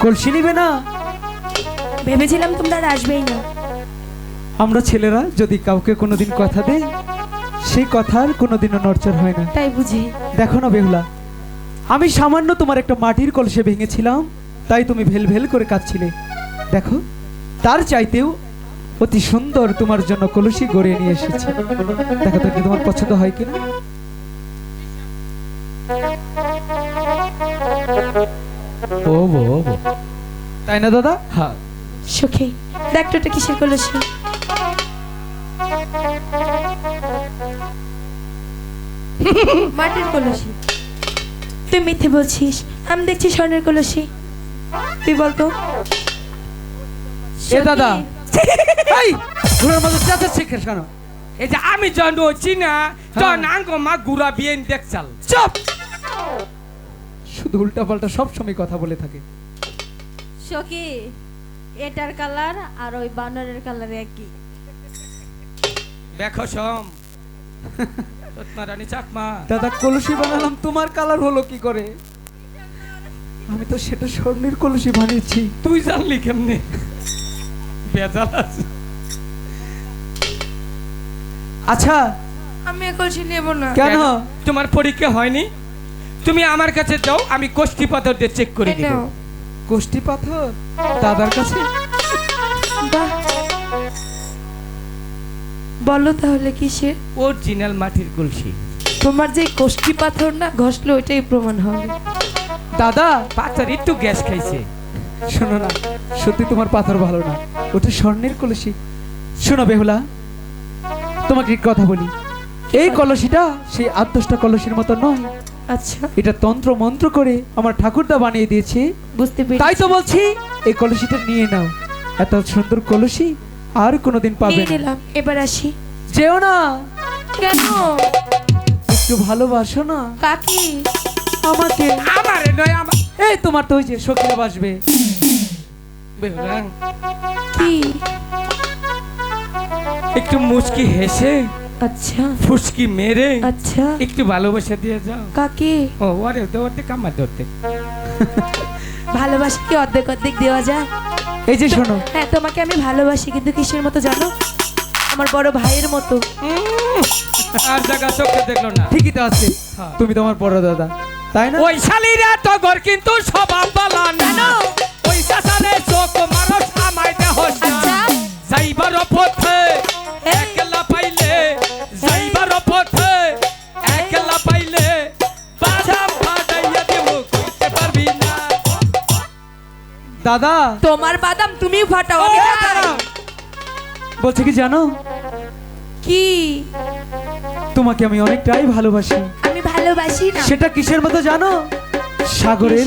কলসি নিবে না? ভেবেছিলাম তোমরা আর আসবেই না। আমরা ছেলেরা যদি কাউকে কোনোদিন কথা দেই, সেই কথার কোনোদিনও নড়চড় হয় না। তাই বুঝি? দেখো না বেহুলা, আমি সামান্য তোমার একটা মাটির কলসে ভেঙেছিলাম, তাই তুমি ভেল ভেল করে কাঁদছিলে। দেখো, তার চাইতেও অতি সুন্দর তোমার জন্য কলসি গড়িয়ে নিয়ে এসেছি। দেখো তো, তোমার পছন্দ হয় কিনা? ও বো, তাই না দাদা? হ্যাঁ। সখী দেখ তো এটা কিসের কলসি? মাটির কলসি। তুই মিথ্যে বলছিস, আমি দেখছি স্বর্ণের কলসি। তুই বলতো। এ দাদা, এই ঘোড়ার মতো চেঁচাচ্ছিস কেন? এই যে আমি জন হচ্ছি না, জন আঙ্গ মা গুড়া বিয়েন দেখছাল। চুপ! শুধু উল্টা পাল্টা সব সময় কথা বলে থাকে। সখী এটার কালার আর ওই বানরের কালার একই। দেখো সম রত্নারানী চাকমা। দাদা, কলসি বানালাম, তোমার কালার হলো কি করে? আমি তো সেটা স্বর্ণের কলসি বানিয়েছি। তুই জানলি কেমনে? বেজাল আছে। আচ্ছা, আমি এ কলসি নেব না। কেন? তোমার পরীক্ষা হয়নি? তুমি আমার কাছে যাও, আমি কোষ্ঠী পাথর দিয়ে চেক করে দিব। এটাও। কোষ্ঠী পাথর দাদার কাছে? বাহ, বলো তাহলে কিসের? অরিজিনাল মাটির কলসি। তোমার যে কোষ্ঠী পাথর না ঘষলে ওইটাই প্রমাণ হবে। দাদা, পাথর একটু গ্যাস খাইছে। শোনো না, সত্যি তোমার পাথর ভালো না, ওটা স্বর্ণের কলসি। শোনো বেহুলা, তোমাকে এক কথা বলি, এই কলসিটা সেই ৮-১০টা কলসির মতো নয়। আচ্ছা, এটা তন্ত্র মন্ত্র করে আমার ঠাকুরদা বানিয়ে দিয়েছে। বুঝতে তাই পেরেছি। তো বলছি, এই কলসিটা নিয়ে নাও। এত সুন্দর কলসি আর কোনোদিন পাবে নিয়ে না। নিলাম, এবার আসি। যেও না, কেন? একটু ভালোবাসো না কাকি? আমাকে। আমারে নয় আমার। এই তোমার তো ওই যে সখীরা বাসবে। বেহুলা, কি? একটু মুচকি হেসে আচ্ছা ফুসকি মেরে আচ্ছা। একটু ভালোবাসা দিয়ে যাও। কাকি, ও আরে ধরতে কামার ধরতে। ভালোবাসা কি অর্ধেক অর্ধেক দেওয়া যায়? এই যে শোনো, হ্যাঁ, তোমাকে আমি ভালোবাসি, কিন্তু কিসের মতো জানো? আমার বড় ভাইয়ের মতো। আর জায়গা চোখে দেখলো না। ঠিকই তো আছে, হ্যাঁ। তুমি তো আমার বড় দাদা, তাই না? ওই শালিরা তো ঘর কিন্তু স্বভাব বালা না। ওই চাচারে চোখ মানুষ আমায় দেহ আচ্ছা। যাইবার পথে এই। একলা পাইলে, যাইবার পথে একলা পাইলে বাদাম ফাটাইয়া দেব, কইতে পারবি না। দাদা, তোমার বাদাম তুমি ফাটাও, আমি ও, খাই। দাঁড়াও। বলছে কি জানো, কি? তোমাকে আমি অনেকটাই ভালোবাসি। আমি ভালোবাসি না। সেটা কিসের মতো জানো? সাগরের